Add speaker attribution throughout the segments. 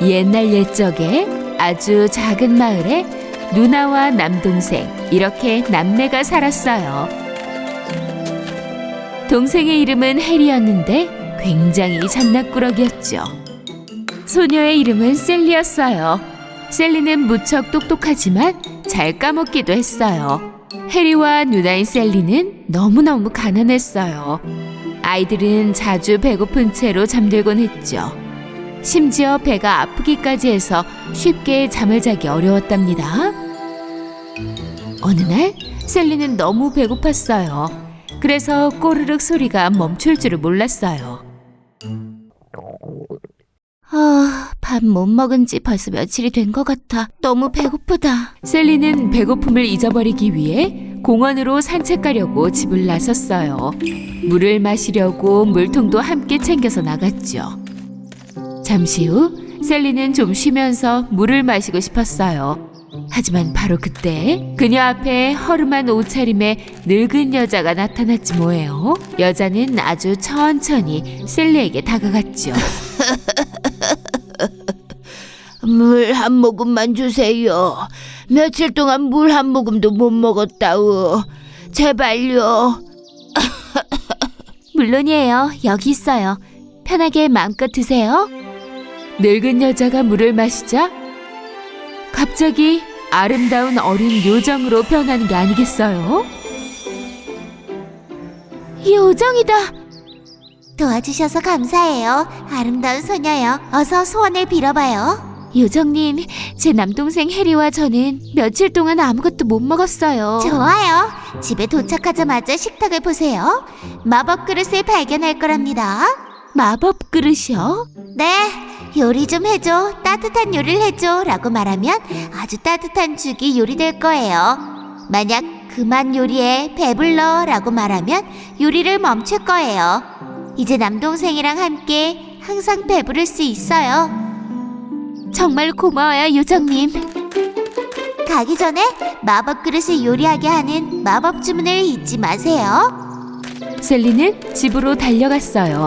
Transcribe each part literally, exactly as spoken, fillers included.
Speaker 1: 옛날 옛적에 아주 작은 마을에 누나와 남동생 이렇게 남매가 살았어요. 동생의 이름은 해리였는데 굉장히 잔나꾸러기였죠. 소녀의 이름은 셀리였어요. 셀리는 무척 똑똑하지만 잘 까먹기도 했어요. 해리와 누나인 셀리는 너무너무 가난했어요. 아이들은 자주 배고픈 채로 잠들곤 했죠. 심지어 배가 아프기까지 해서 쉽게 잠을 자기 어려웠답니다. 어느 날 셀리는 너무 배고팠어요. 그래서 꼬르륵 소리가 멈출 줄을 몰랐어요. 아, 밥 못 먹은 지 벌써 며칠이 된 것 같아. 너무 배고프다. 셀리는 배고픔을 잊어버리기 위해 공원으로 산책 가려고 집을 나섰어요. 물을 마시려고 물통도 함께 챙겨서 나갔죠. 잠시 후 셀리는 좀 쉬면서 물을 마시고 싶었어요. 하지만 바로 그때 그녀 앞에 허름한 옷차림의 늙은 여자가 나타났지 뭐예요. 여자는 아주 천천히 셀리에게 다가갔죠.
Speaker 2: 물 한 모금만 주세요. 며칠 동안 물 한 모금도 못 먹었다우. 제발요.
Speaker 1: 물론이에요. 여기 있어요. 편하게 마음껏 드세요. 늙은 여자가 물을 마시자 갑자기 아름다운 어린 요정으로 변하는 게 아니겠어요? 요정이다.
Speaker 2: 도와주셔서 감사해요. 아름다운 소녀요. 어서 소원을 빌어봐요.
Speaker 1: 요정님, 제 남동생 해리와 저는 며칠 동안 아무것도 못 먹었어요.
Speaker 2: 좋아요. 집에 도착하자마자 식탁을 보세요. 마법 그릇을 발견할 거랍니다.
Speaker 1: 마법 그릇이요?
Speaker 2: 네, 요리 좀 해줘. 따뜻한 요리를 해줘. 라고 말하면 아주 따뜻한 죽이 요리될 거예요. 만약 그만 요리해, 배불러. 라고 말하면 요리를 멈출 거예요. 이제 남동생이랑 함께 항상 배부를 수 있어요.
Speaker 1: 정말 고마워요, 요정님.
Speaker 2: 가기 전에 마법 그릇을 요리하게 하는 마법 주문을 잊지 마세요.
Speaker 1: 셀리는 집으로 달려갔어요.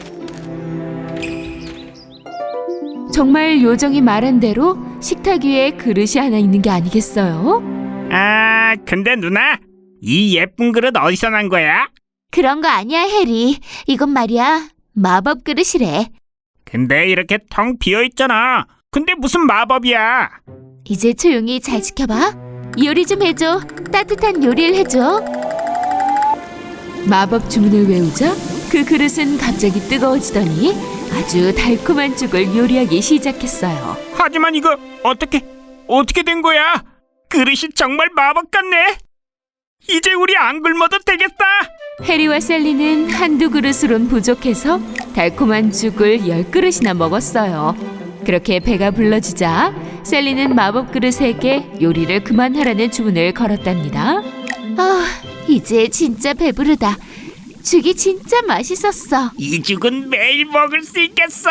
Speaker 1: 정말 요정이 말한 대로 식탁 위에 그릇이 하나 있는 게 아니겠어요?
Speaker 3: 아, 근데 누나, 이 예쁜 그릇 어디서 난 거야?
Speaker 1: 그런 거 아니야, 해리. 이건 말이야, 마법 그릇이래.
Speaker 3: 근데 이렇게 텅 비어있잖아. 근데 무슨 마법이야?
Speaker 1: 이제 조용히 잘 지켜봐. 요리 좀 해줘. 따뜻한 요리를 해줘. 마법 주문을 외우자 그 그릇은 갑자기 뜨거워지더니 아주 달콤한 죽을 요리하기 시작했어요.
Speaker 3: 하지만 이거 어떻게, 어떻게 된 거야? 그릇이 정말 마법 같네. 이제 우리 안 굶어도 되겠다.
Speaker 1: 해리와 셀리는 한두 그릇으론 부족해서 달콤한 죽을 열 그릇이나 먹었어요. 그렇게 배가 불러지자 셀리는 마법 그릇에게 요리를 그만하라는 주문을 걸었답니다. 아, 이제 진짜 배부르다. 죽이 진짜 맛있었어.
Speaker 3: 이 죽은 매일 먹을 수 있겠어.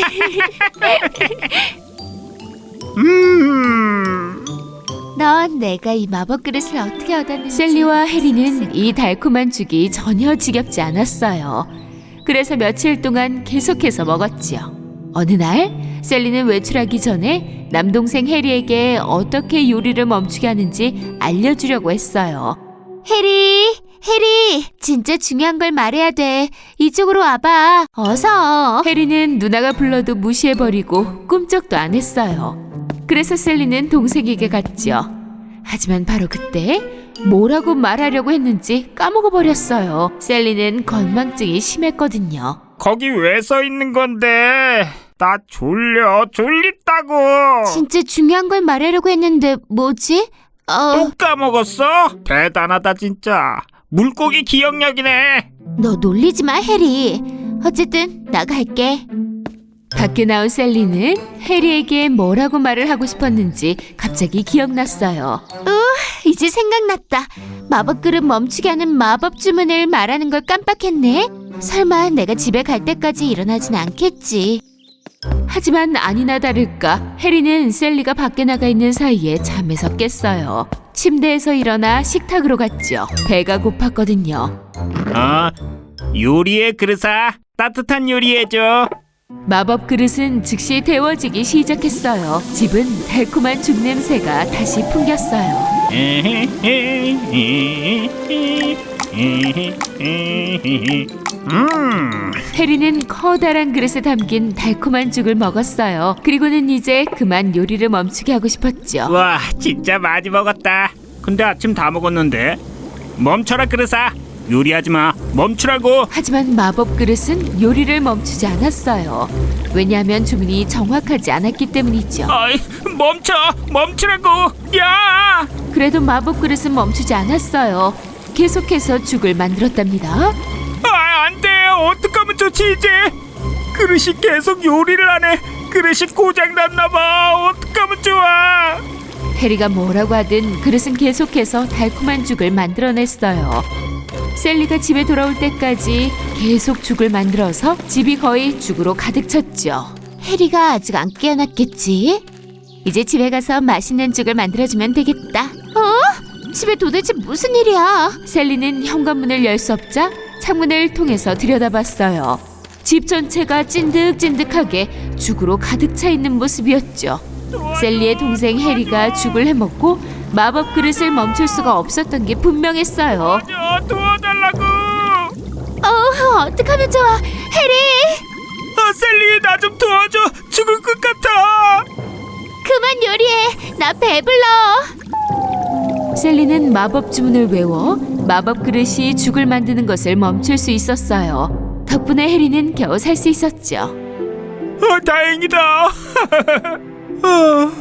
Speaker 3: 음.
Speaker 1: 넌 내가 이 마법 그릇을 어떻게 얻었는지. 셀리와 해리는 이 달콤한 죽이 전혀 지겹지 않았어요. 그래서 며칠 동안 계속해서 먹었지요. 어느 날 셀리는 외출하기 전에 남동생 해리에게 어떻게 요리를 멈추게 하는지 알려주려고 했어요. 해리, 해리, 진짜 중요한 걸 말해야 돼. 이쪽으로 와봐. 어서. 해리는 누나가 불러도 무시해버리고 꿈쩍도 안 했어요. 그래서 셀리는 동생에게 갔죠. 하지만 바로 그때 뭐라고 말하려고 했는지 까먹어버렸어요. 셀리는 건망증이 심했거든요.
Speaker 3: 거기 왜 서 있는 건데? 나 졸려, 졸립다고.
Speaker 1: 진짜 중요한 걸 말하려고 했는데 뭐지? 어...
Speaker 3: 또 까먹었어? 대단하다 진짜. 물고기 기억력이네.
Speaker 1: 너 놀리지 마, 해리. 어쨌든 나갈게. 밖에 나온 셀리는 해리에게 뭐라고 말을 하고 싶었는지 갑자기 기억났어요. 우, 이제 생각났다. 마법 그릇 멈추게 하는 마법 주문을 말하는 걸 깜빡했네. 설마 내가 집에 갈 때까지 일어나진 않겠지. 하지만 아니나 다를까 해리는 셀리가 밖에 나가 있는 사이에 잠에서 깼어요. 침대에서 일어나 식탁으로 갔죠. 배가 고팠거든요.
Speaker 3: 어? 요리해 그릇아. 따뜻한 요리해줘.
Speaker 1: 마법 그릇은 즉시 데워지기 시작했어요. 집은 달콤한 죽 냄새가 다시 풍겼어요.
Speaker 3: 음,
Speaker 1: 해리는 커다란 그릇에 담긴 달콤한 죽을 먹었어요. 그리고는 이제 그만 요리를 멈추게 하고 싶었죠.
Speaker 3: 와, 진짜 많이 먹었다. 근데 아침 다 먹었는데. 멈춰라 그릇아. 요리하지 마. 멈추라고.
Speaker 1: 하지만 마법 그릇은 요리를 멈추지 않았어요. 왜냐하면 주문이 정확하지 않았기 때문이죠.
Speaker 3: 아이, 멈춰. 멈추라고. 야!
Speaker 1: 그래도 마법 그릇은 멈추지 않았어요. 계속해서 죽을 만들었답니다.
Speaker 3: 아, 안 돼. 어떡하면 좋지 이제. 그릇이 계속 요리를 하네. 그릇이 고장 났나 봐. 어떡하면 좋아.
Speaker 1: 해리가 뭐라고 하든 그릇은 계속해서 달콤한 죽을 만들어냈어요. 셀리가 집에 돌아올 때까지 계속 죽을 만들어서 집이 거의 죽으로 가득 찼죠.
Speaker 2: 해리가 아직 안 깨어났겠지? 이제 집에 가서 맛있는 죽을 만들어주면 되겠다. 어? 집에 도대체 무슨 일이야?
Speaker 1: 셀리는 현관문을 열 수 없자 창문을 통해서 들여다봤어요. 집 전체가 찐득찐득하게 죽으로 가득 차 있는 모습이었죠. 셀리의 동생 해리가 죽을 해먹고 마법 그릇을 멈출 수가 없었던 게 분명했어요.
Speaker 3: 도와줘, 도와달라고.
Speaker 2: 어, 어떡하면 좋아. 해리!
Speaker 3: 아, 셀리 나 좀 도와줘. 죽을 것 같아.
Speaker 2: 그만 요리해. 나 배불러.
Speaker 1: 셀리는 마법 주문을 외워 마법 그릇이 죽을 만드는 것을 멈출 수 있었어요. 덕분에 해리는 겨우 살 수 있었죠.
Speaker 3: 어, 다행이다. 어.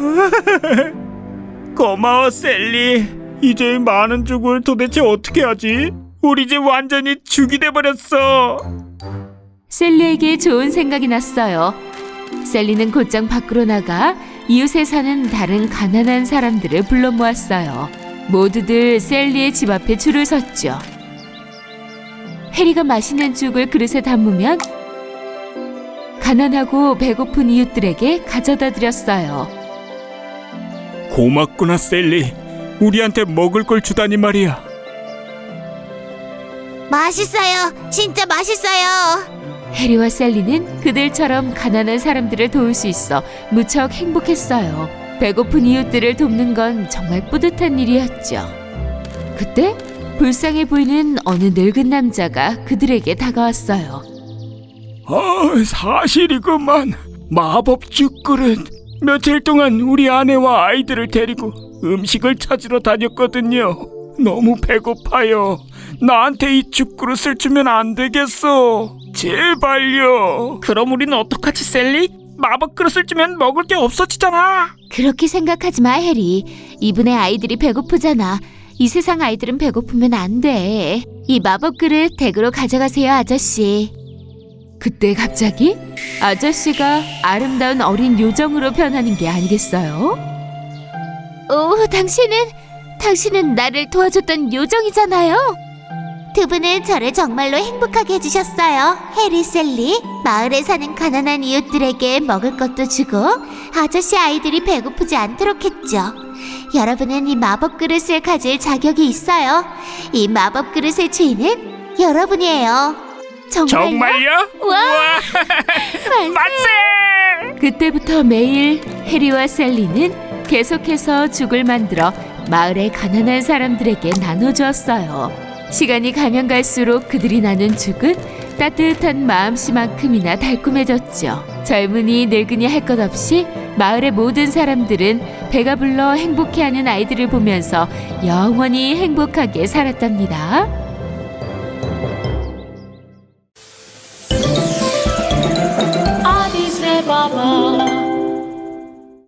Speaker 3: 고마워 셀리. 이제 이 많은 죽을 도대체 어떻게 하지? 우리 집 완전히 죽이 돼버렸어.
Speaker 1: 셀리에게 좋은 생각이 났어요. 셀리는 곧장 밖으로 나가 이웃에 사는 다른 가난한 사람들을 불러 모았어요. 모두들 셀리의 집 앞에 줄을 섰죠. 해리가 맛있는 죽을 그릇에 담으면 가난하고 배고픈 이웃들에게 가져다 드렸어요.
Speaker 3: 고맙구나 셀리. 우리한테 먹을 걸 주다니 말이야.
Speaker 2: 맛있어요. 진짜 맛있어요.
Speaker 1: 해리와 셀리는 그들처럼 가난한 사람들을 도울 수 있어 무척 행복했어요. 배고픈 이웃들을 돕는 건 정말 뿌듯한 일이었죠. 그때 불쌍해 보이는 어느 늙은 남자가 그들에게 다가왔어요.
Speaker 3: 아, 사실이구만. 마법 죽그릇. 며칠 동안 우리 아내와 아이들을 데리고 음식을 찾으러 다녔거든요. 너무 배고파요. 나한테 이 죽그릇을 주면 안 되겠어. 제발요. 그럼 우리는 어떡하지 셀리? 마법 그릇을 주면 먹을 게 없어지잖아.
Speaker 2: 그렇게 생각하지 마, 해리. 이분의 아이들이 배고프잖아. 이 세상 아이들은 배고프면 안 돼. 이 마법 그릇 댁으로 가져가세요, 아저씨.
Speaker 1: 그때 갑자기 아저씨가 아름다운 어린 요정으로 변하는 게 아니겠어요?
Speaker 2: 오, 당신은 당신은 나를 도와줬던 요정이잖아요. 두 분은 저를 정말로 행복하게 해주셨어요, 해리, 셀리. 마을에 사는 가난한 이웃들에게 먹을 것도 주고 아저씨 아이들이 배고프지 않도록 했죠. 여러분은 이 마법 그릇을 가질 자격이 있어요. 이 마법 그릇의 주인은 여러분이에요. 정말요?
Speaker 3: 정말요?
Speaker 2: 와,
Speaker 3: 만세!
Speaker 1: 그때부터 매일 해리와 셀리는 계속해서 죽을 만들어 마을의 가난한 사람들에게 나눠주었어요. 시간이 가면 갈수록 그들이 나눈 죽은 따뜻한 마음씨만큼이나 달콤해졌죠. 젊은이 늙은이 할 것 없이 마을의 모든 사람들은 배가 불러 행복해하는 아이들을 보면서 영원히 행복하게 살았답니다.